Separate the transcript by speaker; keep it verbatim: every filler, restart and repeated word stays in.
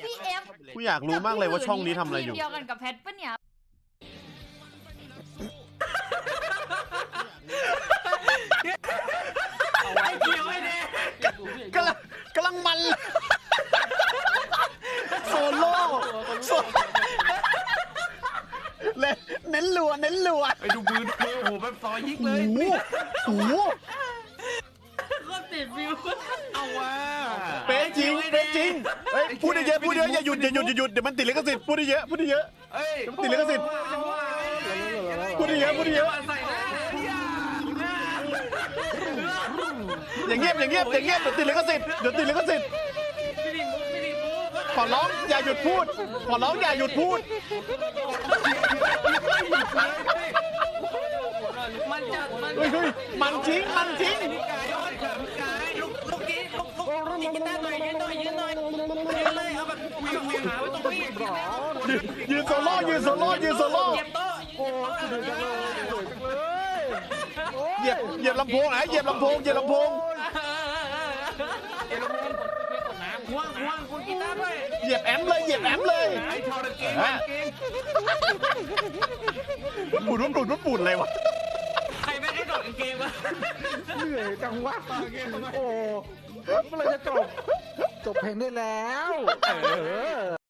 Speaker 1: พี่เอฟ
Speaker 2: กูอยากรู้มากเลยว่าช่องนี้ทำอะไรอยู่
Speaker 1: ทีมเดียวกันกับแพทปะเนี่ย
Speaker 3: ไอ้เกียวไอ้แดง
Speaker 2: กำลังกำลังมันโซโล่โซเลยเน้นลัวเน้นลัว
Speaker 3: ไปดูมือดูมือโอ้โหแบบซอยยิกเลย
Speaker 2: โอ้โห
Speaker 3: ก็ติดฟิวเอาว่ะ
Speaker 2: เป๊ะจริงเป๊ะจริงเฮ้ยพูดเยอะพูดเยอะอย่าหยุดอย่าหยุดอย่าหยุดเดี๋ยวมันติดลิขสิทธิ์พูดเยอะพูดเยอะ
Speaker 3: เอ้ย
Speaker 2: ติดลิขสิทธิ์พูดเยอะพูดเยอะ
Speaker 3: ใส่หน้า
Speaker 2: อย่างเงียบอย่างเงียบอย่างเงียบเดี๋ยวติดลิขสิทธิ์เดี๋ยวติดลิขสิทธิ์
Speaker 3: ไม่ดีมุกไม่ดีมุก
Speaker 2: ขอร้องอย่าหยุดพูดขอร้องอย่าหยุดพูด
Speaker 3: มันจัดมัน
Speaker 2: เฮ้ยเฮ้ยมันจริงมันจริง
Speaker 3: พี่กายย้อนค่ะพี่กายลุกลุกนี้ลุกลุกนี่กีตาร์หน่อยยืนหน่อยยืนหน่อยยืนเลยเอาแบบเวียงเวียงหาไว้ตรงนี้
Speaker 2: ยืนโซโล่ยืนโซโล่ยืนโซโล่
Speaker 3: เก็บโต๊ะโอ้เหนื่อยจังเลย
Speaker 2: เหยียบเหยียบลำโพงนะเหยียบลำโพงเหยียบลำโพง
Speaker 3: เดี๋ยวเราไปกดน้ำห่วงห่วงคุณกีตาร์ด้วย
Speaker 2: เหยียบแอมเลยเหยียบแอมเลย
Speaker 3: ไอ้ทอร์เกมเกม
Speaker 2: ปูดปูดปูดเลยวะ
Speaker 3: ใครไม่ได้โดดเกมวะ
Speaker 4: เหนื่อยจังวะโอ้เมื่อไรจะจบ จบเพลงได้แล้ว เออ